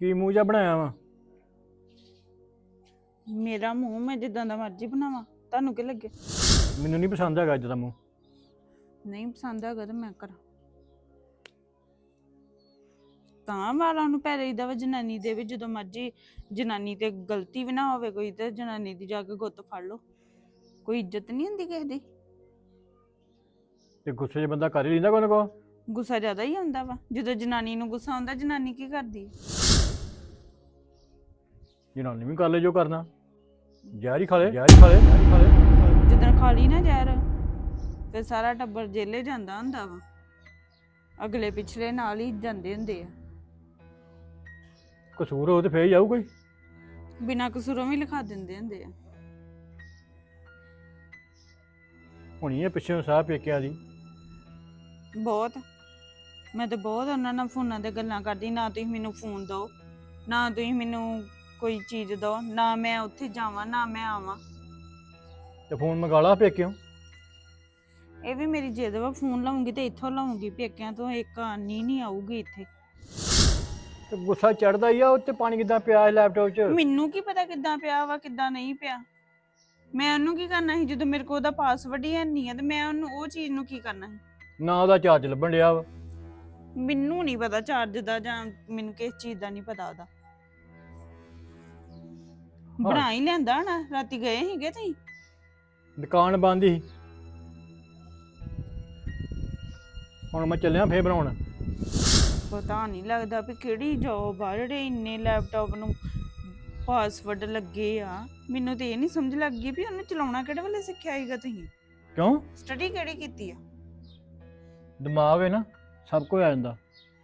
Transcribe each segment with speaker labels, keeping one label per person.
Speaker 1: ਕੀ ਮੂੰਹ ਜਿਹਾ ਬਣਾਇਆ ਵਾ?
Speaker 2: ਮੇਰਾ ਮੂੰਹ ਮੈਂ ਜਿੱਦਾਂ ਦਾ ਮਰਜ਼ੀ ਬਣਾਵਾਂ, ਤੁਹਾਨੂੰ ਕੀ ਲੱਗੇ?
Speaker 1: ਮੈਨੂੰ ਨਹੀਂ ਪਸੰਦ ਹੈਗਾ ਅੱਜ ਦਾ ਮੂੰਹ।
Speaker 2: ਨਹੀਂ ਪਸੰਦ ਹੈਗਾ ਤਾਂ ਮੈਂ ਕਰਾਂ। ਤਾਂ ਵਾਲਾਂ ਨੂੰ ਪੈ ਰਹੀਦਾ ਵਾ ਜਨਾਨੀ ਦੇ ਵੀ, ਜਦੋਂ ਮਰਜ਼ੀ ਜਨਾਨੀ ਤੇ ਗਲਤੀ ਵੀ ਨਾ ਹੋਵੇ ਕੋਈ ਤੇ ਜਨਾਨੀ ਦੀ ਜਾ ਕੇ ਗੁੱਤ ਫੜ ਲਓ। ਕੋਈ ਇੱਜ਼ਤ ਨਹੀਂ ਹੁੰਦੀ ਕਿਸੇ ਦੀ।
Speaker 1: ਤੇ ਗੁੱਸੇ 'ਚ ਬੰਦਾ ਕਰ ਹੀ ਲੈਂਦਾ ਕੋਈ ਨਾ ਕੋ।
Speaker 2: ਗੁੱਸਾ ਜ਼ਿਆਦਾ ਹੀ ਆਉਂਦਾ ਵਾ ਜਦੋਂ ਜਨਾਨੀ ਨੂੰ ਗੁੱਸਾ ਆਉਂਦਾ। ਜਨਾਨੀ ਕੀ ਕਰਦੀ?
Speaker 1: ਜਨਾਨੀ ਵੀ ਕਰ ਲੈ ਜੋ ਕਰਨਾ। ਜ਼ਹਿਰ ਹੀ ਖਾ ਲੈ, ਜ਼ਹਿਰ ਹੀ ਖਾ ਲੈ, ਜ਼ਹਿਰ ਹੀ ਖਾ ਲੈ।
Speaker 2: ਜਿੱਦਣ ਖਾ ਲਈ ਨਾ ਜ਼ਹਿਰ, ਫਿਰ ਸਾਰਾ ਟੱਬਰ ਜੇਲੇ ਜਾਂਦਾ ਹੁੰਦਾ ਵਾ। ਅਗਲੇ ਪਿਛਲੇ ਨਾਲ ਹੀ ਜਾਂਦੇ ਹੁੰਦੇ ਆ।
Speaker 1: ਕਸੂਰ ਹੋ ਤੇ ਫੇਰ ਹੀ ਆਊ ਕੋਈ।
Speaker 2: ਬਿਨਾਂ ਕਸੂਰੋਂ ਵੀ ਲਿਖਾ ਦਿੰਦੇ ਹੁੰਦੇ ਆ।
Speaker 1: ਹੁਣੀ ਇਹ ਪਿੱਛੇ ਸਾਹ ਪੇਕਿਆਂ ਦੀ।
Speaker 2: ਬਹੁਤ। ਮੈਂ ਤਾਂ ਬਹੁਤ ਉਹਨਾਂ ਨਾਲ ਫੋਨਾਂ ਤੇ ਗੱਲਾਂ ਕਰਦੀ। ਨਾ ਤੁਸੀਂ ਮੈਨੂੰ ਫੋਨ ਦਿਓ, ਨਾ ਤੁਸੀਂ ਮੈਨੂੰ ਕੋਈ ਚੀਜ਼ ਦਿਓ, ਨਾ ਮੈਂ ਉੱਥੇ ਜਾਵਾਂ, ਨਾ ਮੈਂ ਆਵਾਂ।
Speaker 1: ਤੇ ਫੋਨ ਮੰਗਾ ਲਾ ਪੇਕਿਓ।
Speaker 2: ਇਹ ਵੀ ਮੇਰੀ ਜਿੱਦ ਵਾ, ਫੋਨ ਲਾਉਂਗੀ ਤੇ ਇੱਥੋਂ ਲਾਉਂਗੀ, ਪੇਕਿਆਂ ਤੋਂ ਇੱਕ ਆਨੀ ਨਹੀਂ ਆਊਗੀ ਇੱਥੇ।
Speaker 1: ਤੇ ਗੁੱਸਾ ਚੜਦਾ ਹੀ ਆ। ਉੱਤੇ ਪਾਣੀ ਕਿੱਦਾਂ ਪਿਆ ਲੈਪਟਾਪ 'ਚ?
Speaker 2: ਮੈਨੂੰ ਕੀ ਪਤਾ ਕਿੱਦਾਂ ਪਿਆ ਵਾ ਕਿੱਦਾਂ ਨਹੀਂ ਪਿਆ। ਮੈਂ ਉਹਨੂੰ ਕੀ ਕਰਨਾ ਸੀ ਜਦੋਂ ਮੇਰੇ ਕੋਲ ਉਹਦਾ ਪਾਸਵਰਡ ਹੀ ਨਹੀਂ ਆ ਤੇ ਮੈਂ ਉਹਨੂੰ ਉਹ ਚੀਜ਼ ਨੂੰ ਕੀ ਕਰਨਾ ਸੀ?
Speaker 1: ਨਾ ਉਹਦਾ ਚਾਰਜ ਲੱਭਣ ਡਿਆ ਵਾ।
Speaker 2: ਮੈਨੂੰ ਨਹੀਂ ਪਤਾ ਚਾਰਜ ਦਾ, ਜਾਂ ਮੈਨੂੰ ਕਿਸ ਚੀਜ਼ ਦਾ ਨਹੀਂ ਪਤਾ ਉਹਦਾ। ਬਣਾ ਹੀ ਲਿਆਂਦਾ ਨਾ। ਰਾਤੀ ਗਏ ਸੀਗੇ ਤੁਸੀਂ?
Speaker 1: ਦੁਕਾਨ ਬੰਦ ਹੀ। ਹੁਣ ਮੈਂ ਚੱਲਿਆ ਫੇਰ ਬਣਾਉਣ।
Speaker 2: ਪਤਾ ਨਹੀਂ ਲੱਗਦਾ ਵੀ ਕਿਹੜੀ ਜੋਬ ਆ ਜਿਹੜੇ ਇੰਨੇ ਲੈਪਟਾਪ ਨੂੰ ਪਾਸਵਰਡ ਲੱਗੇ ਆ। ਮੈਨੂੰ ਤੇ ਇਹ ਨਹੀਂ ਸਮਝ ਲੱਗੀ ਵੀ ਉਹਨੂੰ ਚਲਾਉਣਾ ਕਿਹੜੇ ਵੇਲੇ ਸਿੱਖਿਆ ਸੀਗਾ ਤੁਸੀਂ?
Speaker 1: ਕਿਉਂ?
Speaker 2: ਸਟੱਡੀ ਕਿਹੜੀ ਕੀਤੀ ਆ?
Speaker 1: ਦਿਮਾਗ ਹੈ ਨਾ, ਸਭ ਕੁਝ ਆ ਜਾਂਦਾ।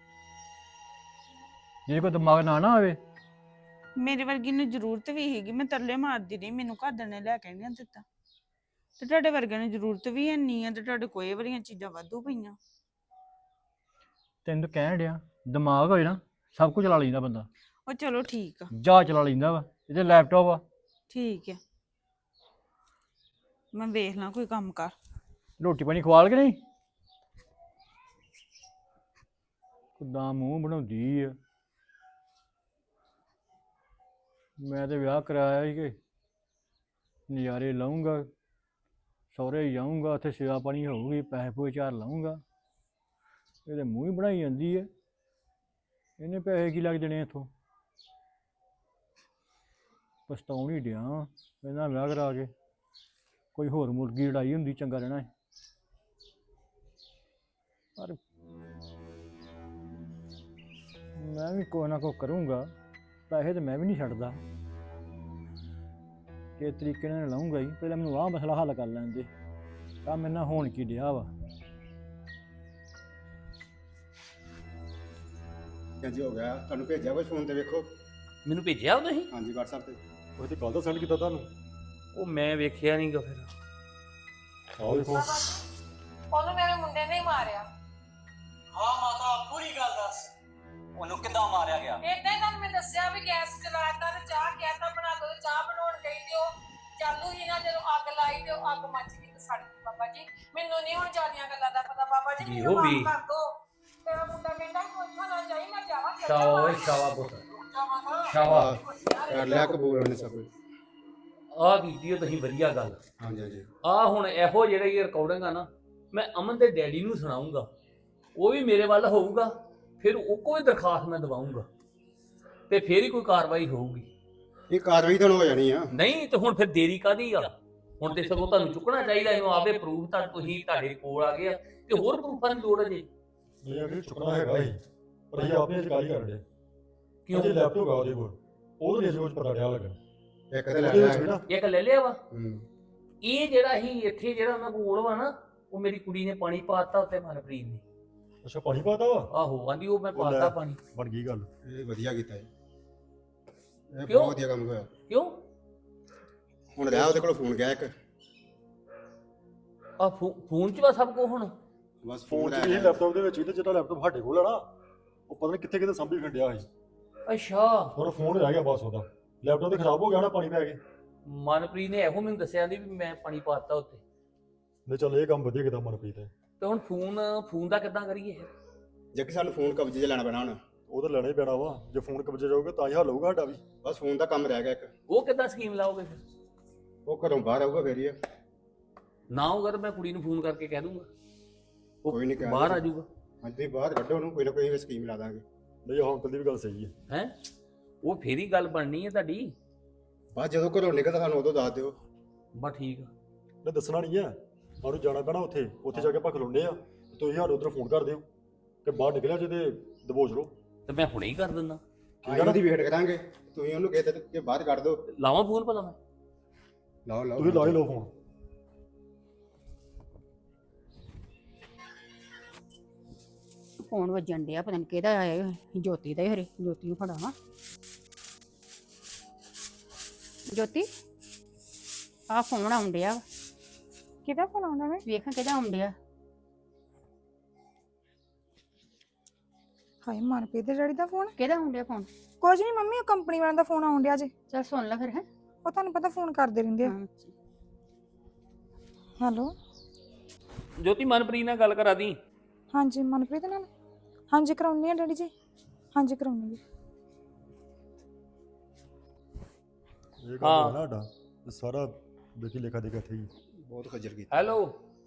Speaker 1: ਜੇ ਕੋਈ ਦਿਮਾਗ ਨਾ ਹੋਵੇ।
Speaker 2: ਮੇਰੇ ਵਰਗੀ ਨੂੰ ਜ਼ਰੂਰਤ ਵੀ ਹੈਗੀ। ਮੈਂ ਤਰਲੇ ਮਾਰਦੀ ਰਹੀ, ਮੈਨੂੰ ਘਰਦਿਆਂ ਨੇ ਲੈ ਕੇ ਨਹੀਂ ਦਿੱਤਾ। ਤੇ ਤੁਹਾਡੇ ਵਰਗਿਆਂ ਨੂੰ ਜ਼ਰੂਰਤ ਵੀ ਨਹੀਂ ਆ ਤੇ ਤੁਹਾਡੇ ਕੋਲ ਵਾਲੀਆਂ ਚੀਜ਼ਾਂ ਵਾਧੂ ਪਈਆਂ।
Speaker 1: ਤੈਨੂੰ ਤਾਂ ਕਹਿਣ ਡਿਆ, ਦਿਮਾਗ ਹੋਏ ਨਾ ਸਭ ਕੁਝ ਚਲਾ ਲੈਂਦਾ ਬੰਦਾ।
Speaker 2: ਉਹ ਚਲੋ ਠੀਕ ਆ।
Speaker 1: ਜਾ ਚਲਾ ਲੈਂਦਾ ਵਾ। ਇਹਦੇ ਲੈਪਟਾਪ ਆ।
Speaker 2: ਠੀਕ ਆ, ਮੈਂ ਵੇਖ ਲਾਂ ਕੋਈ ਕੰਮ ਕਰ।
Speaker 1: ਰੋਟੀ ਪਾਣੀ ਖਵਾਲ ਕੇ ਨਹੀਂ? ਕਿੱਦਾਂ ਮੂੰਹ ਬਣਾਉਂਦੀ ਆ। ਮੈਂ ਤੇ ਵਿਆਹ ਕਰਾਇਆ ਸੀ ਕਿ ਨਜ਼ਾਰੇ ਲਾਊਂਗਾ, ਸਹੁਰੇ ਜਾਊਂਗਾ, ਉੱਥੇ ਸੇਵਾ ਪਾਣੀ ਹੋਊਗੀ, ਪੈਸੇ ਪੂਸੇ ਚਾਰ ਲਾਊਂਗਾ। ਇਹਦੇ ਮੂੰਹ ਹੀ ਬਣਾਈ ਜਾਂਦੀ ਹੈ। ਇਹਨੇ ਪੈਸੇ ਕੀ ਲੱਗ ਜਾਣੇ ਇੱਥੋਂ? ਪਛਤਾਉਣ ਹੀ ਡਿਆ ਇਹਨਾਂ ਵਿਆਹ ਕਰਾ ਕੇ। ਕੋਈ ਹੋਰ ਮੁਰਗੀ ਲੜਾਈ ਹੁੰਦੀ ਚੰਗਾ ਰਹਿਣਾ ਹੈ। ਪਰ ਮੈਂ ਵੀ ਕੋਈ ਨਾ ਕੋਈ ਕਰੂੰਗਾ। ਪੈਸੇ ਤਾਂ ਮੈਂ ਵੀ ਨਹੀਂ ਛੱਡਦਾ। ਕਿਸ ਤਰੀਕੇ ਨਾਲ ਲਾਊਂਗਾ ਹੀ। ਪਹਿਲਾਂ ਮੈਨੂੰ ਆਹ ਮਸਲਾ ਹੱਲ ਕਰ ਲੈਣ ਦੇ। ਕੰਮ ਇਹਨਾਂ ਹੋਣ ਕੀ ਡਿਆ ਵਾ।
Speaker 3: ਹਾਂਜੀ ਹੋ ਗਿਆ। ਤੁਹਾਨੂੰ ਭੇਜਿਆ ਕੁਛ ਫੋਨ ਤੇ ਵੇਖੋ।
Speaker 4: ਮੈਨੂੰ ਭੇਜਿਆ ਉਹ ਤੁਸੀਂ?
Speaker 3: ਹਾਂਜੀ WhatsApp ਤੇ।
Speaker 5: ਉਹ ਤੇ ਕੱਲ ਦਾ ਸੈਂਡ ਕੀਤਾ ਤੁਹਾਨੂੰ।
Speaker 4: ਉਹ ਮੈਂ ਵੇਖਿਆ ਨਹੀਂਗਾ ਫਿਰ।
Speaker 5: ਆਹ ਦੇਖੋ।
Speaker 6: ਉਹਨੂੰ ਮੇਰੇ ਮੁੰਡੇ ਨੇ ਹੀ ਮਾਰਿਆ।
Speaker 7: ਹਾਂ ਮਾਤਾ ਪੂਰੀ ਗੱਲ ਦੱਸ, ਉਹਨੂੰ ਕਿੱਦਾਂ ਮਾਰਿਆ ਗਿਆ?
Speaker 6: ਏਦਾਂ ਹੀ ਤੁਹਾਨੂੰ ਮੈਂ ਦੱਸਿਆ ਵੀ ਗੈਸ ਚਲਾਤਾ ਤੇ ਚਾਹ ਕਹਿਤਾ ਬਣਾ ਦੋ ਤੇ ਚਾਹ ਬਣਾਉਣ ਗਈ ਤੇ ਉਹ ਚਾਲੂ ਹੀ ਨਾ ਜਦੋਂ ਅੱਗ ਲਾਈ ਤੇ ਉਹ ਅੱਗ ਮੱਚ ਗਈ ਤੇ ਸੜ ਗਈ। ਬਾਬਾ ਜੀ ਮੈਨੂੰ ਨਹੀਂ ਹੁਣ ਜ਼ਿਆਦੀਆਂ ਗੱਲਾਂ ਦਾ ਪਤਾ। ਬਾਬਾ ਜੀ ਮੈਨੂੰ ਮਾਫ ਕਰ ਦੋ। ਤੇਰਾ ਮੁੰਡਾ ਕਹਿੰਦਾ ਕੋਈ ਇੱਥੋਂ ਨਾ ਜਾਈ, ਮੈਂ ਜਾਵਾਂ।
Speaker 4: ਸ਼ਾਵਾ ਪੁੱਤ ਸ਼ਾਵਾ।
Speaker 3: ਕਰ ਲਿਆ ਕਬੂਲ ਉਹਨੇ ਸਭ ਕੁਝ।
Speaker 4: ਆਹ ਕੀਤੀ ਉਹ ਤੁਸੀਂ ਵਧੀਆ ਗੱਲ।
Speaker 3: ਹਾਂਜੀ ਹਾਂਜੀ।
Speaker 4: ਆਹ ਹੁਣ ਇਹੋ ਜਿਹੜੀ ਰਿਕਾਰਡਿੰਗ ਆ ਨਾ, ਮੈਂ ਅਮਨ ਦੇ ਡੈਡੀ ਨੂੰ ਸੁਣਾਉਂਗਾ। ਉਹ ਵੀ ਮੇਰੇ ਵੱਲ ਹੋਊਗਾ, ਫਿਰ ਉਹ ਕੋਈ ਦਰਖਾਸਤ ਮੈਂ ਦਵਾਉਂਗਾ ਤੇ ਫਿਰ ਹੀ ਕੋਈ ਕਾਰਵਾਈ ਹੋਊਗੀ।
Speaker 3: ਇਹ ਕਾਰਵਾਈ ਤਾਂ ਹੋ ਜਾਣੀ ਆ।
Speaker 4: ਨਹੀਂ ਤੇ ਹੁਣ ਫਿਰ ਦੇਰੀ ਕਾਹਦੀ ਆ? ਹੁਣ ਤੇ ਸਗੋਂ ਤੁਹਾਨੂੰ ਚੁੱਕਣਾ ਚਾਹੀਦਾ ਇਹਨੂੰ। ਆਪੇ ਪ੍ਰੂਫ ਤਾਂ ਤੁਸੀਂ ਤੁਹਾਡੇ ਕੋਲ ਆ ਗਏ ਆ ਤੇ ਹੋਰ ਪ੍ਰੂਫਾਂ ਦੀ ਲੋੜ ਹੈ ਜੀ।
Speaker 5: ਇਹ ਅਗਰ ਚੁੱਕਣਾ ਹੈਗਾ ਹੀ, ਪਰ ਇਹ ਆਪਣੇ ਚ ਗਾਲੀ ਕਰਦੇ
Speaker 4: ਕਿਉਂ?
Speaker 5: ਜੇ ਲੈਪਟਾਪ ਆ ਉਹਦੇ ਕੋਲ, ਉਹਦੇ ਨਹੀਂ ਕੁਝ ਪਤਾ ਡਿਆ ਲੱਗਣ।
Speaker 3: ਇੱਕ ਤੇ ਲੈ
Speaker 5: ਉਹਦੇ ਵਿੱਚ
Speaker 3: ਲਿਆ।
Speaker 5: ਵੀ ਨਾ
Speaker 4: ਇੱਕ ਲੈ ਲਿਆ ਵਾ।
Speaker 3: ਹੂੰ।
Speaker 4: ਇਹ ਜਿਹੜਾ ਹੀ ਇੱਥੇ ਜਿਹੜਾ ਉਹਨਾਂ ਕੋਲ ਵਾ ਨਾ, ਉਹ ਮੇਰੀ ਕੁੜੀ ਨੇ ਪਾਣੀ ਪਾਤਾ ਉੱਤੇ ਮਨਪ੍ਰੀਤ ਨੇ।
Speaker 5: ਅੱਛਾ ਪਾਣੀ ਪਾਤਾ ਵਾ।
Speaker 4: ਆਹੋ ਆਂਦੀ ਉਹ ਮੈਂ
Speaker 5: ਉਹ ਲੈ।
Speaker 4: ਪਾਤਾ ਪਾਣੀ।
Speaker 5: ਬਣ ਗਈ ਗੱਲ।
Speaker 3: ਇਹ ਵਧੀਆ ਕੀਤਾ ਇਹ। ਇਹ
Speaker 4: ਕਿਉਂ?
Speaker 3: ਬਹੁਤ ਵਧੀਆ ਕੰਮ ਹੋਇਆ।
Speaker 4: ਕਿਉਂ?
Speaker 3: ਹੁਣ ਰਿਹਾ ਉਹਦੇ ਕੋਲ ਫੋਨ ਗਿਆ ਇੱਕ।
Speaker 4: ਆ ਫੋਨ 'ਚ ਵਾ ਸਭ ਕੁਝ ਹੁਣ।
Speaker 3: ਬਸ
Speaker 5: ਫੋਨ
Speaker 3: ਫੋਨ
Speaker 5: ਚ
Speaker 3: ਰਹਿ
Speaker 5: ਵੀ
Speaker 3: ਗਿਆ।
Speaker 5: ਲੈਪਟਾਪ ਦੇ ਵਿੱਚ ਵੀ ਤੇ ਜਿਹੜਾ ਲੈਪਟਾਪ ਸਾਡੇ ਕੋਲ ਆ ਨਾ, ਉਹ ਪਤਾ ਨਹੀਂ ਕਿੱਥੇ ਕਿੱਥੇ ਸਾਂਭੀ ਖੰਡਿਆ ਸੀ।
Speaker 4: ਅੱਛਾ
Speaker 5: ਹੁਣ ਫੋਨ ਰਹਿ ਗਿਆ ਬਸ ਉਹਦਾ। ਲੈਪਟਾਪ ਤੇ ਖਰਾਬ ਹੋ ਗਿਆ ਨਾ ਪਾਣੀ ਪੈ ਕੇ।
Speaker 4: ਮਨਪ੍ਰੀਤ ਨੇ ਇਹੋ ਮੈਨੂੰ ਦੱਸਿਆ ਦੀ ਵੀ ਮੈਂ ਪਾਣੀ ਪਾਤਾ ਉੱਤੇ।
Speaker 5: ਨਹੀਂ ਚੱਲ ਇਹ ਕੰਮ ਵਧੀਆ ਕੀਤਾ ਮਨਪ੍ਰੀਤ ਨੇ।
Speaker 4: ਤੇ ਹੁਣ ਫੋਨ ਦਾ ਕਿੱਦਾਂ ਕਰੀਏ?
Speaker 3: ਜੇ ਕਿ ਸਾਨੂੰ ਫੋਨ ਕਬਜ਼ੇ 'ਚ ਲੈਣਾ ਪੈਣਾ ਹੁਣ।
Speaker 5: ਉਹ ਤਾਂ ਲੈਣਾ ਹੀ ਪੈਣਾ ਵਾ। ਜੇ ਫੋਨ ਕਬਜ਼ੇ ਜਾਊਗਾ ਤਾਂ ਹੀ ਹੱਲ ਹੋਊਗਾ ਸਾਡਾ ਵੀ।
Speaker 3: ਬਸ ਫੋਨ ਦਾ ਕੰਮ ਰਹਿ ਗਿਆ ਇੱਕ।
Speaker 4: ਉਹ ਕਿੱਦਾਂ ਸਕੀਮ ਲਾਓਗੇ ਫਿਰ?
Speaker 3: ਉਹ ਘਰੋਂ ਬਾਹਰ ਆਊਗਾ ਫੇਰ ਹੀ ਆ।
Speaker 4: ਨਾ ਹੋਊਗਾ ਤਾਂ ਮੈਂ ਕੁੜੀ ਨੂੰ ਫੋਨ ਕਰਕੇ ਕਹਿ ਦੂੰਗਾ, ਉਹ
Speaker 3: ਕੋਈ ਨਹੀਂ ਕਹਿ
Speaker 4: ਬਾਹਰ ਆ
Speaker 3: ਦਿਓ।
Speaker 4: ਜਾਊਗਾ।
Speaker 3: ਅੱਜ ਤੁਸੀਂ ਬਾਹਰ ਕੱਢੋ ਉਹਨੂੰ, ਕੋਈ ਨਾ ਕੋਈ ਸਕੀਮ ਲਾ ਦਾਂਗੇ।
Speaker 5: ਨਹੀਂ ਉਹ ਅੰਕਲ ਦੀ ਵੀ ਗੱਲ ਸਹੀ ਹੈ।
Speaker 4: ਹੈ ਉਹ ਫੇਰ ਹੀ ਗੱਲ ਬਣਨੀ ਹੈ ਤੁਹਾਡੀ।
Speaker 3: ਬਸ ਜਦੋਂ ਘਰੋਂ ਨਿਕਲਦਾ ਸਾਨੂੰ ਉਦੋਂ ਦੱਸ ਦਿਓ।
Speaker 4: ਬਸ ਠੀਕ ਆ।
Speaker 5: ਨਹੀਂ ਦੱਸਣਾ ਨਹੀਂ ਹੈ, ਸਾਨੂੰ ਜਾਣਾ ਪੈਣਾ ਉੱਥੇ ਜਾ ਕੇ ਆਪਾਂ ਖਲੋਂਦੇ ਆ। ਤੁਸੀਂ ਸਾਨੂੰ ਉਧਰ ਫੋਨ ਕਰ ਦਿਓ ਕਿ ਬਾਹਰ ਨਿਕਲਿਆ ਜੇ ਤੇ ਦਬੋਚ ਲਓ।
Speaker 4: ਤੇ ਮੈਂ ਹੁਣੇ ਹੀ ਕਰ ਦਿੰਦਾ।
Speaker 3: ਅਸੀਂ ਉਹਦੀ ਵੇਟ ਕਰਾਂਗੇ, ਤੁਸੀਂ ਉਹਨੂੰ ਕਹਿ ਦੇ ਕਿ ਬਾਹਰ ਕੱਢ ਦਿਓ।
Speaker 4: ਲਾਵਾਂ ਫੋਨ ਭਲਾ ਮੈਂ?
Speaker 3: ਲਾਓ ਲਾਓ
Speaker 5: ਤੁਸੀਂ ਲਾ ਹੀ ਲਓ ਫੋਨ।
Speaker 8: ਫੋਨ ਵੱਜਣ ਡਿਆ, ਪਤਾ ਨਹੀਂ ਕਿਹਦਾ ਆਇਆ ਈ। ਜੋਤੀ ਦਾ ਹੀ ਹਰੇ। ਜੋਤੀ ਨੂੰ ਫੜਾਵਾਂ। ਜੋਤੀ ਆ ਫੋਨ ਆਉਣ ਡਿਆ ਵਾ।
Speaker 2: ਕਿਹਦਾ ਫੋਨ ਆਉਂਦਾ ਵੇ?
Speaker 8: ਵੇਖਾਂ ਕਿਹਦਾ ਆਉਣ ਡਿਆ।
Speaker 9: ਹਾਏ ਮਨਪ੍ਰੀਤ ਦੇ ਡੈਡੀ ਦਾ ਫੋਨ?
Speaker 8: ਕਿਹਦਾ ਆਉਣ ਡਿਆ ਫੋਨ?
Speaker 9: ਕੁਝ ਨਹੀਂ ਮੰਮੀ, ਉਹ ਕੰਪਨੀ ਵਾਲਿਆਂ ਦਾ ਫੋਨ ਆਉਣ ਡਿਆ ਜੇ।
Speaker 8: ਚੱਲ ਸੁਣ ਲੈ ਫਿਰ। ਹੈ
Speaker 9: ਉਹ ਤੁਹਾਨੂੰ ਪਤਾ ਫੋਨ ਕਰਦੇ ਰਹਿੰਦੇ ਆ। ਹੈਲੋ
Speaker 4: ਜੋਤੀ ਮਨਪ੍ਰੀਤ ਨਾਲ ਗੱਲ ਕਰਾ ਦੀ।
Speaker 9: ਹਾਂਜੀ ਮਨਪ੍ਰੀਤ ਨਾਲ? ਹਾਂਜੀ ਕਰਾਉਣੀ ਆ ਡੈਡੀ ਜੀ। ਹਾਂਜੀ ਕਰਾਉਣੀ ਜੀ।
Speaker 5: ਇਹ ਕੰਮ ਹੈ ਨਾ ਸਾਡਾ, ਇਹ ਸਾਰਾ ਦੇਖੀ ਲੇਖਾ ਦੇ ਕੇ ਇੱਥੇ ਹੀ।
Speaker 3: ਬਹੁਤ ਖੱਜਲ ਕੀਤਾ।
Speaker 4: ਹੈਲੋ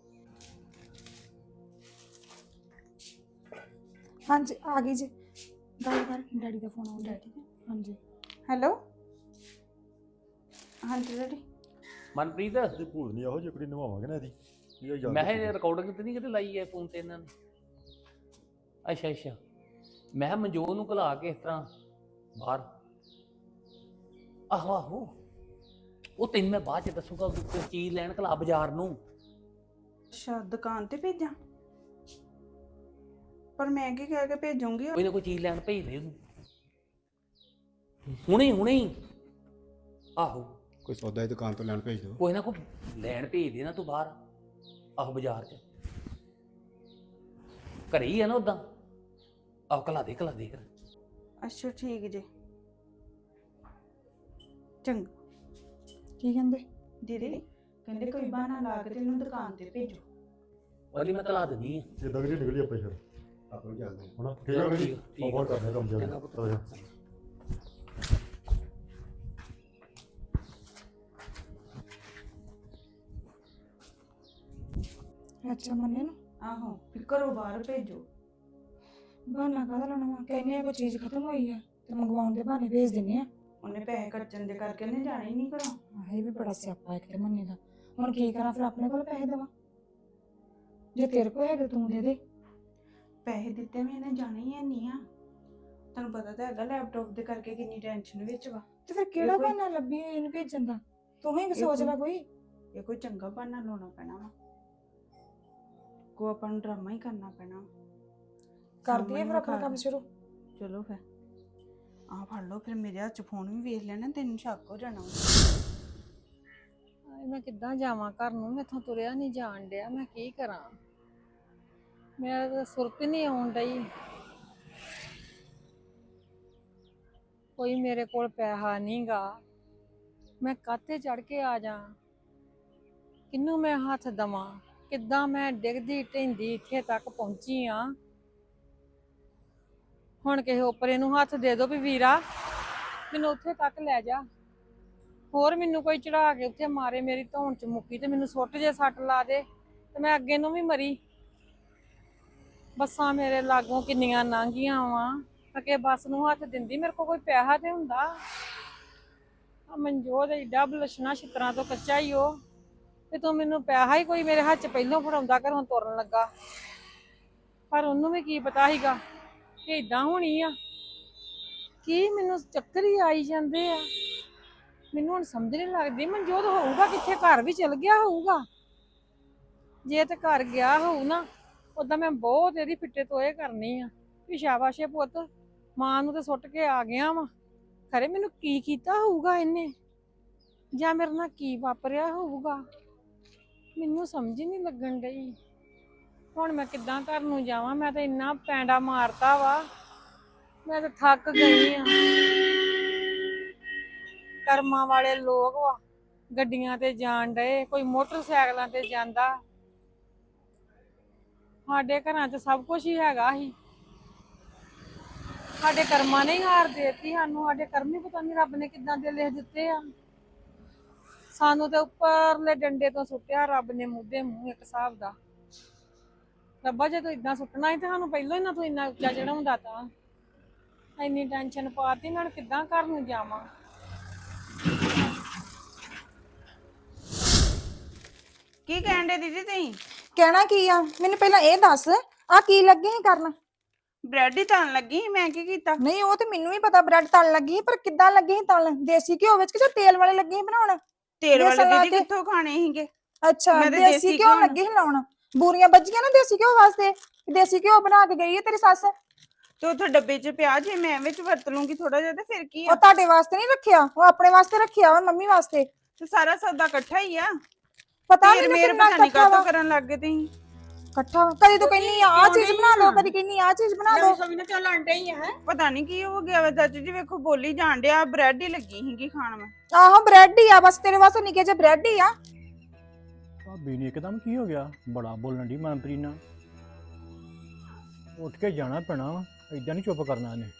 Speaker 9: ਹਾਂਜੀ ਆ ਗਈ ਜੀ। ਗੱਲ ਕਰ, ਡੈਡੀ ਦਾ ਫੋਨ ਆਉਣ ਡਿਆ। ਠੀਕ ਹੈ ਹਾਂਜੀ।
Speaker 2: ਹੈਲੋ ਹਾਂਜੀ ਡੈਡੀ।
Speaker 4: ਮਨਪ੍ਰੀਤ,
Speaker 5: ਇਹ ਭੂਤ ਨਹੀਂ ਇਹੋ ਜਿਹੀ ਕੁੜੀ ਨਵਾਵਾਂਗੇ ਨਾ ਇਹਦੀ। ਇਹ ਯਾਦ
Speaker 4: ਮੈਂ
Speaker 5: ਰੱਖੀ।
Speaker 4: ਇਹ ਰਿਕਾਰਡਿੰਗ ਤੇ ਨਹੀਂ ਕਿਤੇ ਲਾਈ ਹੈ ਫੋਨ ਤੇ ਇਹਨਾਂ ਨੇ? ਅੱਛਾ ਅੱਛਾ, ਮੈਂ ਕਿਹਾ ਮਨਜੋਤ ਨੂੰ ਘਲਾ ਕੇ ਇਸ ਤਰ੍ਹਾਂ ਬਾਹਰ। ਆਹੋ ਆਹੋ, ਉਹ ਤੈਨੂੰ ਮੈਂ ਬਾਅਦ ਚ ਦੱਸੂਗਾ। ਕੋਈ ਚੀਜ਼ ਲੈਣ ਘਲਾ ਬਾਜ਼ਾਰ ਨੂੰ।
Speaker 2: ਅੱਛਾ ਦੁਕਾਨ ਤੇ ਭੇਜਾਂ? ਪਰ ਮੈਂ ਕੀ ਕਹਿ ਕੇ ਭੇਜੂੰਗੀ?
Speaker 4: ਕੋਈ ਨਾ ਕੋਈ ਚੀਜ਼ ਲੈਣ ਭੇਜ ਦੇ ਉਹਨੂੰ ਹੁਣੇ ਹੁਣੇ ਹੀ। ਆਹੋ
Speaker 3: ਕੋਈ ਸੌਦਾ ਦੀ ਦੁਕਾਨ ਤੋਂ ਲੈਣ ਭੇਜ ਦਿਓ।
Speaker 4: ਕੋਈ ਨਾ ਕੋਈ ਲੈਣ ਭੇਜ ਦੇ ਨਾ ਤੂੰ ਬਾਹਰ। ਆਹੋ ਬਾਜ਼ਾਰ ਚ ਘਰੇ ਹੀ ਆ ਨਾ ਉਦਾਂ। ਆਹੋ ਘਲਾ ਦੇ ਫਿਰ।
Speaker 2: ਅੱਛਾ ਠੀਕ ਜੇ। ਚੰਗਾ।
Speaker 9: ਕੀ ਕਹਿੰਦੇ?
Speaker 2: ਦੀਦੀ ਕਹਿੰਦੇ ਕੋਈ ਬਹਾਨਾ ਲਾ ਕੇ ਤੈਨੂੰ ਦੁਕਾਨ ਤੇ ਭੇਜੋ।
Speaker 4: ਉਹਦੀ ਮੈਂ ਘਲਾ ਦਿੰਦੀ ਆ।
Speaker 5: ਏਦਾਂ ਕਰੀ ਨਿਕਲੀ ਆਪਾਂ ਫਿਰ
Speaker 3: ਆਪਾਂ ਨੂੰ ਚੱਲਦੇ ਹਾਂ।
Speaker 5: ਹਨਾ। ਠੀਕ ਹੈ ਜੀ, ਆਪਾਂ ਕਰਦੇ ਕੰਮ
Speaker 4: ਚੰਗਾ
Speaker 5: ਜਿਆਦਾ।
Speaker 4: ਪੁੱਤ।
Speaker 9: ਅੱਛਾ ਮੰਨੇ ਨੂੰ
Speaker 2: ਆਹੋ ਫਿਰ ਘਰੋਂ ਬਾਹਰ ਭੇਜੋ।
Speaker 9: ਬਹਾਨਾ ਕਾਹਦਾ ਲਾਉਣਾ ਵਾ? ਕਹਿੰਦੇ ਆ ਕੋਈ ਚੀਜ਼ ਖਤਮ ਹੋਈ ਆ ਤੇ ਮੰਗਵਾਉਣ ਦੇ ਬਹਾਨੇ ਭੇਜ ਦਿੰਦੇ ਆ।
Speaker 2: ਉਹਨੇ ਪੈਸੇ ਖਰਚਣ ਦੇ ਕਰਕੇ ਉਹਨੇ ਜਾਣਾ ਹੀ ਨਹੀਂ ਘਰੋਂ।
Speaker 9: ਆਹ ਇਹ ਵੀ ਬੜਾ ਸਿਆਪਾ ਇੱਕ ਤੇ ਮੰਨੇ ਦਾ। ਹੁਣ ਕੀ ਕਰਾਂ ਫਿਰ? ਆਪਣੇ ਕੋਲ ਪੈਸੇ ਦੇਵਾਂ? ਜੇ ਤੇਰੇ ਕੋਲ ਹੈਗੇ ਤੂੰ ਦੇ ਦੇ।
Speaker 2: ਪੈਸੇ ਦਿੱਤੇ ਵੀ ਇਹਨੇ ਜਾਣਾ ਹੀ ਨਹੀਂ ਆ। ਤੁਹਾਨੂੰ ਪਤਾ ਤਾਂ ਹੈਗਾ ਲੈਪਟਾਪ ਦੇ ਕਰਕੇ ਕਿੰਨੀ ਟੈਨਸ਼ਨ ਵਿੱਚ ਵਾ।
Speaker 9: ਤੇ ਫਿਰ ਕਿਹੜਾ
Speaker 2: ਕੋਈ-
Speaker 9: ਬਹਾਨਾ ਲੱਭੀ ਇਹਨੂੰ ਭੇਜਣ ਦਾ? ਤੂੰ ਹੀ ਸੋਚ ਲੈ ਕੋਈ।
Speaker 2: ਇਹ ਕੋਈ ਚੰਗਾ ਬਹਾਨਾ ਲਾਉਣਾ ਪੈਣਾ ਵਾ। ਕੋ ਆਪਾਂ ਨੂੰ ਡਰਾਮਾ ਹੀ ਕਰਨਾ ਪੈਣਾ।
Speaker 9: ਕਰਦੀ ਹੈ ਫਿਰ ਆਪਣਾ ਕੰਮ ਸ਼ੁਰੂ।
Speaker 2: ਚਲੋ ਫਿਰ ਆਹ ਫੜ ਲਓ। ਫਿਰ ਮੇਰੇ ਹੱਥ 'ਚ ਫੋਨ ਵੀ ਵੇਖ ਲੈਣਾ, ਤੈਨੂੰ ਸ਼ੱਕ ਹੋ ਜਾਣਾ।
Speaker 10: ਮੈਂ ਕਿੱਦਾਂ ਜਾਵਾਂ ਘਰ ਨੂੰ? ਮੈਥੋਂ ਤੁਰਿਆ ਨਹੀਂ ਜਾਣ ਡਿਆ। ਮੈਂ ਕੀ ਕਰਾਂ? ਮੇਰਾ ਤਾਂ ਸੁਰਤ ਹੀ ਨਹੀਂ ਆਉਣ ਡਈ। ਕੋਈ ਮੇਰੇ ਕੋਲ ਪੈਸਾ ਨਹੀਂਗਾ। ਮੈਂ ਕਾਹਤੇ ਚੜ ਕੇ ਆ ਜਾ? ਕਿਹਨੂੰ ਮੈਂ ਹੱਥ ਦਵਾਂ? ਕਿੱਦਾਂ ਮੈਂ ਡਿੱਗਦੀ ਢਹਿੰਦੀ ਇੱਥੇ ਤੱਕ ਪਹੁੰਚੀ ਆ। ਹੁਣ ਕਿਸੇ ਉੱਪਰੇ ਨੂੰ ਹੱਥ ਦੇ ਦੋ ਵੀ ਵੀਰਾ ਮੈਨੂੰ ਉੱਥੇ ਤੱਕ ਲੈ ਜਾ। ਹੋਰ ਮੈਨੂੰ ਕੋਈ ਚੜਾ ਕੇ ਉੱਥੇ ਮਾਰੇ, ਮੇਰੀ ਧੌਣ ਚ ਮੁੱਕੀ ਤੇ ਮੈਨੂੰ ਸੁੱਟ ਜੇ ਸੱਟ ਲਾ ਦੇ ਤੇ ਮੈਂ ਅੱਗੇ ਨੂੰ ਵੀ ਮਰੀ। ਬੱਸਾਂ ਮੇਰੇ ਲਾਗੋਂ ਕਿੰਨੀਆਂ ਲੰਘੀਆਂ ਵਾ, ਅਕੇ ਬੱਸ ਨੂੰ ਹੱਥ ਦਿੰਦੀ। ਮੇਰੇ ਕੋਲ ਕੋਈ ਪੈਸਾ ਤੇ ਹੁੰਦਾ। ਆ ਮਨਜੋਤ ਏਡਾ ਬਲਸ਼ਣਾ ਛਿੱਤਰਾਂ ਤੋਂ ਕੱਚਾ ਹੀ ਉਹ ਤੇ ਤੂੰ ਮੈਨੂੰ ਪੈਸਾ ਹੀ ਕੋਈ ਮੇਰੇ ਹੱਥ 'ਚ ਪਹਿਲੋਂ ਫੜਾਉਂਦਾ ਘਰੋਂ ਤੁਰਨ ਲੱਗਾ। ਪਰ ਉਹਨੂੰ ਵੀ ਕੀ ਪਤਾ ਸੀਗਾ ਕਿ ਏਦਾਂ ਹੋਣੀ ਆ। ਕੀ ਮੈਨੂੰ ਚੱਕਰ ਹੀ ਆਈ ਜਾਂਦੇ ਆ। ਮੈਨੂੰ ਹੁਣ ਸਮਝ ਨਹੀਂ ਲੱਗਦੀ ਮਨਜੋਤ ਹੋਊਗਾ ਕਿੱਥੇ? ਘਰ ਵੀ ਚਲ ਗਿਆ ਹੋਊਗਾ। ਜੇ ਤੇ ਘਰ ਗਿਆ ਹੋਊ ਨਾ, ਉਦਾਂ ਮੈਂ ਬਹੁਤ ਇਹਦੀ ਫਿੱਟੇ ਤੋਏ ਕਰਨੀ ਆ ਵੀ ਸ਼ਾਬਾਸ਼ੇ ਪੁੱਤ, ਮਾਂ ਨੂੰ ਤੇ ਸੁੱਟ ਕੇ ਆ ਗਿਆ ਵਾ। ਖਰੇ ਮੈਨੂੰ ਕੀ ਕੀਤਾ ਹੋਊਗਾ ਇਹਨੇ, ਜਾਂ ਮੇਰੇ ਨਾਲ ਕੀ ਵਾਪਰਿਆ ਹੋਊਗਾ, ਮੈਨੂੰ ਸਮਝ ਹੀ ਨਹੀਂ ਲੱਗਣ ਡਈ। ਹੁਣ ਮੈਂ ਕਿੱਦਾਂ ਘਰ ਨੂੰ ਜਾਵਾਂ? ਮੈਂ ਤਾਂ ਇੰਨਾ ਪੈਂਡਾ ਮਾਰਤਾ ਵਾ, ਮੈਂ ਤਾਂ ਥੱਕ ਗਈ ਆ। ਕਰਮਾਂ ਵਾਲੇ ਲੋਕ ਵਾ, ਗੱਡੀਆਂ ਤੇ ਜਾਣ ਡਏ, ਕੋਈ ਮੋਟਰਸਾਈਕਲਾਂ ਤੇ ਜਾਂਦਾ। ਸਾਡੇ ਘਰਾਂ 'ਚ ਸਭ ਕੁਝ ਹੀ ਹੈਗਾ ਸੀ, ਸਾਡੇ ਕਰਮਾਂ ਨੇ ਹੀ ਹਾਰ ਦੇਤੀ ਸਾਨੂੰ, ਸਾਡੇ ਕਰਮ ਹੀ ਪਤਾ ਨਹੀਂ ਰੱਬ ਨੇ ਕਿੱਦਾਂ ਦੇ ਲਿਖ ਦਿੱਤੇ ਆ। ਸਾਨੂੰ ਤੇ ਉੱਪਰਲੇ ਡੰਡੇ ਤੋਂ ਸੁੱਟਿਆ ਰੱਬ ਨੇ ਮੂਧੇ ਮੂੰਹ ਇੱਕ ਹਿਸਾਬ ਦਾ। ਰੱਬਾ ਜੇ ਤੂੰ ਇਦਾਂ ਸੁੱਟਣਾ ਸੀ ਤੇ ਸਾਨੂੰ ਪਹਿਲਾਂ ਹੀ ਨਾ ਤੂੰ ਇੰਨਾ ਉੱਚਾ ਚੜਾਉਂਦਾ ਤਾਂ। ਇੰਨੀ ਟੈਨਸ਼ਨ ਪਾਤੀ, ਮੈਂ ਹੁਣ ਕਿੱਦਾਂ ਘਰ ਨੂੰ ਜਾਵਾਂ।
Speaker 2: ਕੀ ਕਹਿੰਦੇ ਦੀਦੀ ਤੁਸੀਂ?
Speaker 9: ਕਹਿਣਾ ਕੀ ਆ, ਮੈਨੂੰ ਪਹਿਲਾਂ ਇਹ ਦੱਸ ਆ ਕੀ ਲੱਗੇ ਸੀ ਕਰਨ?
Speaker 2: ਬ੍ਰੈਡ ਹੀ ਤਲਣ ਲੱਗੀ ਸੀ, ਮੈਂ ਕੀ ਕੀਤਾ?
Speaker 9: ਨਹੀਂ ਉਹ ਤੇ ਮੈਨੂੰ ਵੀ ਪਤਾ ਬ੍ਰੈਡ ਤਲਣ ਲੱਗੀ ਸੀ, ਪਰ ਕਿੱਦਾਂ ਲੱਗੀ ਸੀ ਤਲਣ? ਦੇਸੀ ਘਿਓ ਵਿੱਚ ਕਿ ਜਾਂ ਤੇਲ ਵਾਲੇ ਲੱਗੇ ਸੀ ਬਣਾਉਣ?
Speaker 2: ਤੇਲ ਵਾਲੇ
Speaker 9: ਬੇਸਣ ਲਾ
Speaker 2: ਦੀਦੀ
Speaker 9: ਕੇ?
Speaker 2: ਕਿੱਥੋਂ ਖਾਣੇ ਸੀਗੇ?
Speaker 9: ਅੱਛਾ,
Speaker 2: ਮੈਂ ਤੇ
Speaker 9: ਦੇਸੀ
Speaker 2: ਦੇਸੀ
Speaker 9: ਘਿਓ
Speaker 2: ਘਿਓ
Speaker 9: ਲੱਗੇ ਸੀ ਲਾਉਣ। ਬੂਰੀਆਂ ਵੱਜੀਆਂ ਨਾ ਦੇਸੀ ਘਿਓ ਵਾਸਤੇ, ਦੇਸੀ ਘਿਓ ਬਣਾ ਕੇ ਗਈ ਹੈ ਤੇਰੀ ਸੱਸ।
Speaker 2: ਤੇ ਉੱਥੇ ਡੱਬੇ 'ਚ ਪਿਆ, ਜੇ ਮੈਂ ਵਿੱਚ ਵਰਤ ਲੂੰਗੀ ਥੋੜਾ ਜਿਹਾ ਤੇ ਫਿਰ ਕੀ ਆ?
Speaker 9: ਉਹ ਤੁਹਾਡੇ ਵਾਸਤੇ ਨਹੀਂ ਰੱਖਿਆ, ਉਹ ਆਪਣੇ ਵਾਸਤੇ ਰੱਖਿਆ ਵਾ, ਮੰਮੀ ਵਾਸਤੇ।
Speaker 2: ਤੇ ਸਾਰਾ ਸੌਦਾ ਇਕੱਠਾ ਹੀ ਆ।
Speaker 9: ਪਤਾ
Speaker 2: ਫਿਰ
Speaker 9: ਮੈਨੂੰ
Speaker 2: ਮੇਰੇ
Speaker 9: ਕਿੰਨਾ
Speaker 2: ਪਤਾ ਨਹੀਂ
Speaker 9: ਇਕੱਠਾ ਵਾ।
Speaker 2: ਕਾਹਤੋਂ ਕਰਨ ਲੱਗ ਗਏ ਤੁਸੀਂ।
Speaker 9: ਇਕੱਠਾ ਕਦੀ ਤੂੰ ਕਹਿੰਨੀ ਆ ਚੀਜ਼ ਬਣਾ ਦੋ, ਕਦੀ ਕਹਿੰਨੀ ਆ ਚੀਜ਼ ਬਣਾ ਦੋ।
Speaker 10: ਸਭ ਨੇ ਚੱਲ ਆਂਡੇ ਹੀ ਹੈ।
Speaker 2: ਪਤਾ ਨਹੀਂ ਕੀ ਹੋ ਗਿਆ ਵਾ ਚਾਚੀ ਜੀ, ਵੇਖੋ ਬੋਲੀ ਜਾਣ ਡਿਆ, ਬ੍ਰੈਡ ਹੀ ਲੱਗੀ ਸੀਗੀ ਖਾਣ ਮੈਂ।
Speaker 9: ਆਹੋ ਬ੍ਰੈਡ ਹੀ ਆ, ਬਸ ਤੇਰੇ ਵਾਸਤੇ ਨਿੱਕੇ ਜਿਹੇ ਬ੍ਰੈਡ ਹੀ ਆ।
Speaker 1: ਭਾਬੀ ਨੇ ਇੱਕਦਮ ਕੀ ਹੋ ਗਿਆ, ਬੜਾ ਬੋਲਣ ਦੀ ਮਨਪ੍ਰੀਤ ਨਾਲ। ਉੱਠ ਕੇ ਜਾਣਾ ਪੈਣਾ ਵਾ, ਏਦਾਂ ਨਹੀਂ ਚੁੱਪ ਕਰਨਾ ਇਹਨੇ।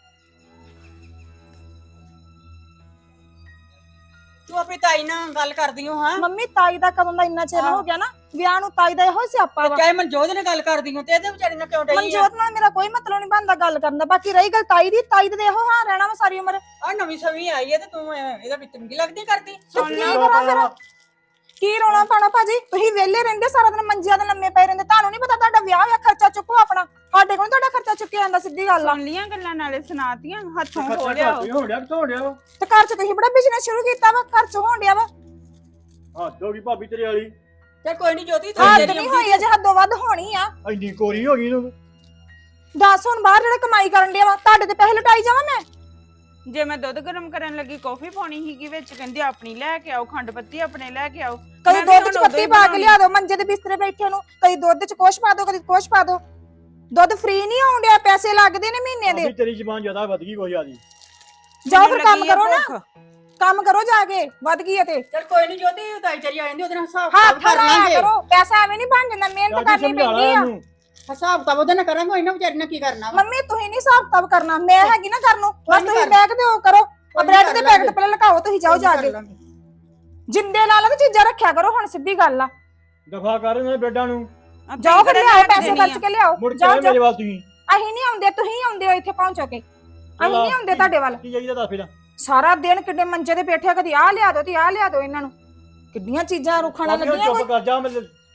Speaker 8: ਤੂੰ ਆਪਣੀ ਤਾਈ ਨਾਲ ਗੱਲ ਕਰਦੀ ਹੋ ਹਾਂ?
Speaker 9: ਮੰਮੀ ਤਾਈ ਦਾ ਕਦੋਂ ਦਾ ਇੰਨਾ ਚਿਰ ਹੋ ਗਿਆ ਨਾ ਵਿਆਹ ਨੂੰ, ਤਾਈ ਦਾ ਇਹੋ ਸਿਆਪਾ ਵਾ।
Speaker 8: ਚਾਹੇ ਮਨਜੋਤ ਨਾਲ ਗੱਲ ਕਰਦੀ ਹੋ ਤੇ ਇਹਦੇ ਵਿਚਾਰੀ ਨਾਲ ਕਿਉਂ ਡਈ ਆ?
Speaker 9: ਮਨਜੋਤ ਨਾਲ ਮੇਰਾ ਕੋਈ ਮਤਲਬ ਨਹੀਂ ਬਣਦਾ ਗੱਲ ਕਰਨ ਦਾ। ਬਾਕੀ ਰਹੀ ਗੱਲ ਤਾਈ ਦੀ, ਤਾਈ ਦੇ ਇਹੋ ਹਾਲ ਰਹਿਣਾ ਵਾ ਸਾਰੀ ਉਮਰ।
Speaker 8: ਆ ਨਵੀਂ ਸਵੀ ਆਈ ਹੈ ਤੇ ਤੂੰ ਇਹਦਾ ਵਿੱਚ ਚੰਗੀ ਲੱਗਦੀ ਕਰਦੀ।
Speaker 9: ਤੇ ਕੀ ਕਰਾਂ ਫਿਰ? ਕੀ ਰੋਣਾ ਪਾਣਾ ਭਾਜੀ? ਤੁਸੀਂ ਵਿਹਲੇ ਰਹਿੰਦੇ ਸਾਰਾ ਦਿਨ, ਮੰਜਿਆਂ ਦੇ ਲੰਮੇ ਪਏ ਰਹਿੰਦੇ। ਤੁਹਾਨੂੰ ਨਹੀਂ ਪਤਾ ਤੁਹਾਡਾ ਵਿਆਹ ਹੋਇਆ, ਖਰਚਾ ਚੁੱਕੋ ਆਪਣਾ। ਸਾਡੇ ਕੋਲ ਨੀ ਤੁਹਾਡਾ ਖਰਚਾ ਚੁੱਕਿਆ ਜਾਂਦਾ, ਸਿੱਧੀ ਗੱਲ ਆ।
Speaker 2: ਸੁਣ ਲੀਆਂ ਗੱਲਾਂ, ਨਾਲੇ ਸੁਣਾਤੀਆਂ, ਹੱਥੋਂ
Speaker 1: ਖਰਚਾ
Speaker 2: ਹੋ ਲਿਆ।
Speaker 1: ਘੱਟ ਹੀ ਹੋਣ ਡਿਆ, ਕਿੱਥੋਂ ਹੋਣ ਡਿਆ ਵਾ?
Speaker 9: ਤੇ ਘਰ ਚ ਤੁਸੀਂ ਬੜਾ ਬਿਜ਼ਨਸ ਸ਼ੁਰੂ ਕੀਤਾ ਵਾ, ਘਰ ਚ ਹੋਣ ਡਿਆ ਵਾ।
Speaker 1: ਹੱਦ ਹੋ ਗਈ ਭਾਬੀ ਤੇਰੇ ਵਾਲੀ,
Speaker 8: ਚੱਲ ਕੋਈ ਨਹੀਂ ਜੋਤੀ, ਤੂੰ
Speaker 9: ਹੱਦ
Speaker 8: ਤੇਰੀ
Speaker 9: ਨਹੀਂ ਹੋਈ ਅਜੇ, ਹੱਦੋਂ ਵੱਧ ਹੋਣੀ ਆ।
Speaker 1: ਇੰਨੀ ਕੋਰੀ ਹੋ ਗਈ ਤੂੰ।
Speaker 9: ਦੱਸ ਹੁਣ ਬਾਹਰ ਜਿਹੜਾ ਕਮਾਈ ਕਰਨ ਡਿਆ ਵਾ, ਤੁਹਾਡੇ ਤੇ ਪੈਸੇ ਲਟਾਈ ਜਾਵਾਂ ਮੈਂ?
Speaker 2: ਜੇ ਮੈਂ ਦੁੱਧ ਗਰਮ ਕਰਨ ਲੱਗੀ, ਕੌਫੀ ਪਾਉਣੀ ਸੀਗੀ ਵਿੱਚ, ਕਹਿੰਦੀ ਆਪਣੀ ਲੈ ਕੇ ਆਓ, ਖੰਡ ਪੱਤੀ ਆਪਣੇ ਲੈ ਕੇ ਆਓ।
Speaker 9: ਕਦੀ
Speaker 2: ਮੈਂ ਵੀ
Speaker 9: ਦੁੱਧ ਚ
Speaker 2: ਹੁਣ
Speaker 9: ਪੱਤੀ
Speaker 2: ਉਦੋਂ ਹੀ
Speaker 9: ਪਾ ਕੇ
Speaker 2: ਬਣਾਉਣੀ।
Speaker 9: ਲਿਆ ਦੋ ਮੰਜੇ ਦੇ ਬਿਸਤਰੇ ਬੈਠੇ ਨੂੰ, ਕਦੀ ਦੁੱਧ ਚ ਕੁਛ ਪਾ ਦੋ, ਕਦੀ ਕੁਛ ਪਾ ਦੋ। ਦੁੱਧ ਫ੍ਰੀ ਨਹੀਂ ਆਉਣ ਡਿਆ, ਪੈਸੇ ਲੱਗਦੇ ਨੇ ਮਹੀਨੇ ਦੇ।
Speaker 1: ਭਾਬੀ ਤੇਰੀ ਜ਼ਬਾਨ ਜ਼ਿਆਦਾ ਵੱਧ ਗਈ ਕੋਈ ਜ਼ਿਆਦੀ।
Speaker 9: ਜਾਓ
Speaker 2: ਮੈਨੂੰ
Speaker 9: ਫਿਰ ਕੰਮ
Speaker 2: ਲੱਗੀ ਆ
Speaker 9: ਕਰੋ ਨਾ,
Speaker 2: ਭੁੱਖ।
Speaker 9: ਕੰਮ ਕਰੋ ਜਾ ਕੇ, ਵੱਧ ਗਈ ਹੈ ਤੇ।
Speaker 8: ਚੱਲ ਕੋਈ ਨਹੀਂ ਜੋਤੀ, ਤਾਈ ਤੇਰੀ ਆ ਜਾਂਦੀ ਉਹਦੇ ਨਾਲ ਹਿਸਾਬ
Speaker 9: ਹੱਥ
Speaker 8: ਕਿਤਾਬ ਕਰ
Speaker 9: ਲਾਇਆ
Speaker 8: ਲਾਂਗੇ।
Speaker 9: ਕਰੋ, ਪੈਸਾ ਐਵੇਂ ਨਹੀਂ ਬਣ ਜਾਂਦਾ, ਮਿਹਨਤ
Speaker 1: ਚਾਚੀ
Speaker 9: ਕਰਨੀ
Speaker 1: ਸਮਝਾ ਲਾ
Speaker 9: ਪੈਂਦੀ ਆ।
Speaker 1: ਇਹਨੂੰ।
Speaker 8: ਹਿਸਾਬ ਕਿਤਾਬ ਉਹਦੇ ਨਾਲ ਕਰਾਂਗੇ, ਇਹਨਾਂ ਵਿਚਾਰੀ ਨਾਲ ਕੀ ਕਰਨਾ ਵਾ?
Speaker 9: ਮੰਮੀ ਤੁਸੀਂ ਨਹੀਂ ਹਿਸਾਬ ਕਿਤਾਬ ਕਰਨਾ, ਮੈਂ ਹੈਗੀ ਨਾ ਕਰਨ ਨੂੰ। ਬਸ
Speaker 8: ਨੀ
Speaker 9: ਤੁਸੀਂ
Speaker 8: ਕਰ-
Speaker 9: ਬੈਗ ਤੇ ਉਹ ਕਰੋ,
Speaker 8: ਕੋਈ ਨੀ
Speaker 9: ਬ੍ਰੈਡ
Speaker 8: ਕਰ
Speaker 9: ਦੇ
Speaker 8: ਲਾਂਗੇ।
Speaker 9: ਪੈਕਟ ਪਹਿਲਾਂ ਲਗਾਓ, ਤੁਸੀਂ ਜਾਓ ਜਾ ਕੇ। ਜਿੰਦੇ ਲਾ ਲਾ ਤੇ ਚੀਜ਼ਾਂ ਰੱਖਿਆ ਕਰੋ, ਹੁਣ ਸਿੱਧੀ ਗੱਲ ਆ।
Speaker 1: ਦਫਾ ਕਰ ਇਹਨਾਂ ਬੈਡਾਂ ਨੂੰ,
Speaker 2: ਆਪਣੀ
Speaker 9: ਜਾਓ ਫਿਰ
Speaker 2: ਕਿਹੜਾ
Speaker 9: ਲਿਆਓ,
Speaker 2: ਲੈ ਕੇ
Speaker 9: ਪੈਸੇ
Speaker 2: ਦੇਣੀ
Speaker 9: ਖਰਚ
Speaker 2: ਆ?
Speaker 9: ਕੇ ਲਿਆਓ।
Speaker 1: ਮੁੜ ਕੇ
Speaker 9: ਜਾਓ
Speaker 1: ਆਏ ਮੇਰੇ ਵੱਲ ਤੁਸੀਂ।
Speaker 9: ਅਸੀਂ ਨਹੀਂ ਆਉਂਦੇ, ਤੁਸੀਂ ਆਉਂਦੇ ਹੋ ਇੱਥੇ ਪਹੁੰਚੋ ਕੇ। ਅਸੀਂ ਨਹੀਂ ਆਉਂਦੇ ਤੁਹਾਡੇ ਵੱਲ।
Speaker 1: ਕੀ ਚਾਹੀਦਾ ਦੱਸ ਫਿਰ?
Speaker 9: ਸਾਰਾ ਦਿਨ ਕਿੱਡੇ ਮੰਜੇ ਤੇ ਬੈਠੇ, ਕਦੀ ਆਹ ਲਿਆ ਦੋ ਤੇ ਆਹ ਲਿਆ ਦੋ ਇਹਨਾਂ ਨੂੰ। ਕਿੱਡੀਆਂ ਚੀਜ਼ਾਂ ਰੁਖਾਣਾ
Speaker 1: ਭਾਬੀ ਹੁਣ
Speaker 9: ਲੱਗੀਆਂ।
Speaker 1: ਚੁੱਪ ਕਰ ਜਾ, ਮੈਂ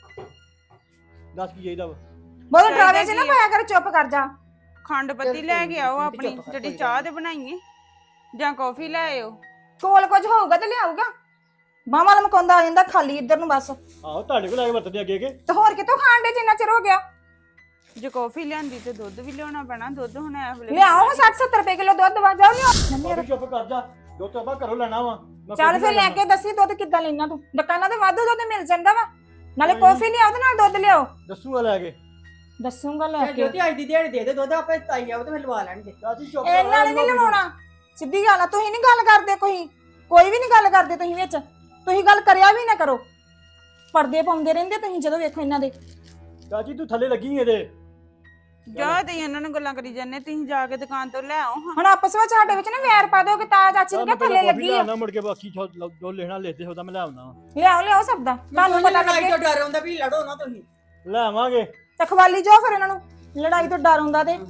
Speaker 1: ਦੱਸ ਕੀ ਚਾਹੀਦਾ ਵਾ?
Speaker 9: ਬਹੁਤ ਡਰਾਵੇ ਚ ਨਾ ਪਾਇਆ ਕਰ, ਚੁੱਪ ਕਰ ਜਾ।
Speaker 2: ਖੰਡ ਪੱਤੀ ਲੈ ਕੇ ਆਓ ਆਪਣੀ, ਜਿਹੜੀ ਚਾਹ ਤੇ ਬਣਾਈਏ, ਜਾਂ ਕੌਫੀ ਲੈ ਆਓ।
Speaker 9: ਕੋਲ ਕੁਝ ਹੋਊਗਾ ਤੇ ਲਿਆਊਗਾ। ਬਾਹਾਂ ਲਮਕਾਉਂਦਾ ਆ ਜਾਂਦਾ ਖਾਲੀ ਇੱਧਰ ਨੂੰ ਬਸ।
Speaker 1: ਆਹੋ ਤੁਹਾਡੇ ਕੋਲ ਆ ਕੇ ਵਰਤਦੇ ਅੱਗੇ ਕੇ।
Speaker 9: ਤੇ ਹੋਰ ਕਿਤੋਂ ਖਾਣ ਦੇ ਜਿੰਨਾ ਚਿਰ ਹੋ ਗਿਆ?
Speaker 2: ਜੇ ਕੌਫੀ ਲਿਆਂਦੀ ਤੇ ਦੁੱਧ ਵੀ ਲਿਆਉਣਾ ਪੈਣਾ। ਦੁੱਧ ਹੁਣ ਐਵਲੇ
Speaker 9: ਲਿਆਓ 60-70 ਰੁਪਏ ਕਿਲੋ ਦੁੱਧ ਵਾ, ਜਾਓ ਲਿਆਓ।
Speaker 1: ਭਾਬੀ ਚੁੱਪ ਕਰ ਜਾ, ਦੁੱਧ ਤਾਂ ਆਪਾਂ ਘਰੋਂ ਲੈਣਾ ਵਾ। ਮੈਂ
Speaker 9: ਚੱਲ
Speaker 1: ਕੌਫੀ
Speaker 9: ਫਿਰ ਲੈ
Speaker 1: ਲੈਣਾ।
Speaker 9: ਕੇ ਦੱਸੀ ਦੁੱਧ ਕਿੱਦਾਂ ਲੈਣਾ ਤੂੰ। ਦੁਕਾਨਾਂ ਤੇ ਵਾਧੂ ਦੁੱਧ ਮਿਲ ਜਾਂਦਾ ਵਾ, ਨਾਲੇ ਕੌਫੀ ਲਿਆਓ ਤੇ ਨਾਲ ਦੁੱਧ ਲਿਆਓ।
Speaker 1: ਦੱਸੂਗਾ ਲੈ ਕੇ।
Speaker 9: ਦੱਸੂਗਾ ਲੈ ਕੇ।
Speaker 8: ਜੋਤੀ ਅੱਜ ਦੀ ਦਿਹਾੜੀ ਦੇ ਦੇ ਦੁੱਧ, ਆਪੇ ਤਾਈ ਆਉ ਤੇ ਫਿਰ ਲਵਾ ਲੈਣਗੇ।
Speaker 1: ਚਾਚੀ ਚੁੱਪ
Speaker 9: ਇਹਨਾਂ ਨੇ ਨਹੀਂ ਲਵਾਉਣਾ, ਸਿੱਧੀ ਗੱਲ ਆ। ਤੁਸੀਂ ਨਹੀਂ ਗੱਲ ਕਰਦੇ, ਕੋਈ ਵੀ ਨਹੀਂ ਗੱਲ ਕਰਦੇ ਤੁਸੀਂ ਵਿੱਚ। ਤੁਸੀਂ ਗੱਲ ਕਰਿਆ ਵੀ ਨਾ ਕਰੋ, ਪਰਦੇ ਪਾਉਂਦੇ ਰਹਿੰਦੇ ਤੁਸੀਂ ਜਦੋਂ ਵੇਖੋ ਇਹਨਾਂ ਦੇ।
Speaker 1: ਚਾਚੀ ਤੂੰ ਥੱਲੇ ਲੱਗੀ ਇਹਦੇ।
Speaker 2: ਜਾ ਤੇ ਇਹਨਾਂ ਨੂੰ ਗੱਲਾਂ ਕਰੀ ਜਾਂਦੇ, ਤੁਸੀਂ ਜਾ ਕੇ ਦੁਕਾਨ ਤੋਂ ਲੈ ਆਓ ਹਾਂ।
Speaker 9: ਹੁਣ ਆਪਸ ਵਿੱਚ ਸਾਡੇ ਵਿੱਚ ਨਾ ਵੈਰ ਪਾ ਦਿਓ ਕਿ ਤਾਂ ਚਾਚੀ ਨੂੰ ਕਿ ਥੱਲੇ ਲੱਗੀ ਆ।
Speaker 1: ਮੁੜ ਕੇ ਬਾਕੀ ਜੋ ਲੈਣਾ ਲੈਦੇ ਉਹਦਾ ਮੈਂ ਲੈ ਆਉਣਾ।
Speaker 9: ਲਿਆਓ ਸਭ ਦਾ, ਤੁਹਾਨੂੰ ਪਤਾ ਲੱਗੇ।
Speaker 8: ਤੋਂ ਡਰ ਆਉਂਦਾ ਵੀ ਲੜੋ ਨਾ ਤੁਸੀਂ।
Speaker 1: ਲੈ ਆਵਾਂਗੇ।
Speaker 9: ਤੇ ਖਵਾਲੀ ਜਾਓ ਫਿਰ ਇਹਨਾਂ ਨੂੰ, ਲੜਾਈ ਤੋਂ ਡਰ ਹੁੰਦਾ ਤੇ।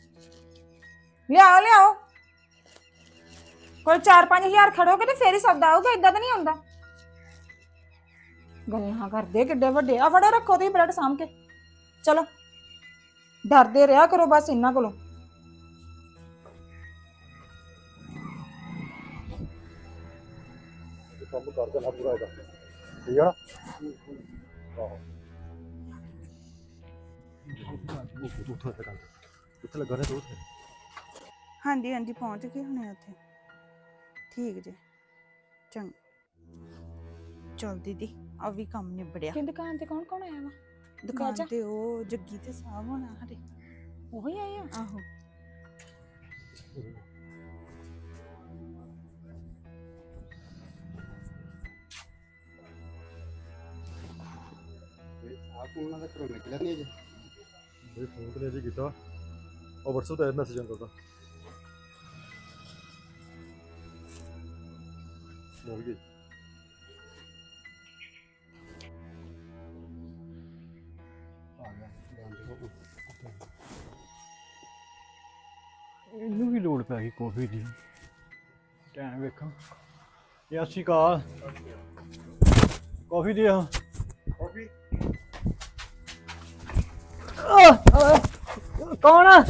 Speaker 9: ਲਿਆਓ ਕੋਈ 4-5 ਹਜ਼ਾਰ ਖੜੋਗੇ ਤੇ ਫੇਰ ਹੀ ਸੌਦਾ ਆਊਗਾ, ਇਦਾਂ ਤਾਂ ਨਹੀਂ ਆਉਂਦਾ। ਗੱਲਾਂ ਕਰਦੇ ਕਿੱਡੇ ਵੱਡੇ ਆ। ਫੜੋ ਰੱਖੋ ਤੁਸੀਂ ਬ੍ਰੈਡ ਸਾਂਭ ਕੇ, ਚਲੋ ਡਰਦੇ ਰਿਹਾ ਕਰੋ ਬਸ ਇਹਨਾਂ ਕੋਲੋਂ।
Speaker 5: ਕੰਮ ਕਰ ਦੇਣਾ ਪੂਰਾ ਇਹਦਾ, ਠੀਕ ਆ ਨਾ? ਆਹੋ ਕਿੱਥੇ ਲੱਗਾ ਰਿਹਾ ਦੋਸਤ?
Speaker 2: ਹਾਂਜੀ ਹਾਂਜੀ ਪਹੁੰਚ ਗਏ ਹੁਣੇ ਉੱਥੇ। ਠੀਕ ਜੇ, ਚੰਗਾ। ਚਲ ਦੀਦੀ, ਆ ਵੀ ਕੰਮ ਨਿਬੜਿਆ।
Speaker 9: ਕਿ ਦੁਕਾਨ ਤੇ ਕੌਣ ਆਇਆ ਵਾ?
Speaker 2: ਦੁਕਾਨ ਤੇ ਉਹ ਜੱਗੀ ਤੇ ਸਾਹਬ ਹੋਣਾ ਹਰੇ।
Speaker 9: ਉਹੀ ਆਏ ਆ?
Speaker 2: ਆਹੋ।
Speaker 3: ਆਪ ਉਹਨਾਂ ਦਾ ਘਰੋਂ ਨਿਕਲਿਆ ਨਹੀਂ ਅਜੇ।
Speaker 5: ਇਹ ਫੋਨ ਤੇ ਨਹੀਂ ਕੀਤਾ, ਉਹ WhatsApp ਤੇ ਮੈਸੇਜ ਆਉਂਦਾ ਤਾ। ਮਿਲ ਗਈ।
Speaker 1: ਆ ਗਿਆ ਇਹਨੂੰ ਵੀ ਲੋੜ ਪੈ ਗਈ ਕਾਫੀ ਦੀ। ਟਾਈਮ ਵੇਖਾਂ। ਸਤਿ ਸ਼੍ਰੀ ਅਕਾਲ। ਕਾਫੀ ਦੇ ਆ।
Speaker 3: ਕਾਫੀ
Speaker 1: ਕੌਣ ਆ?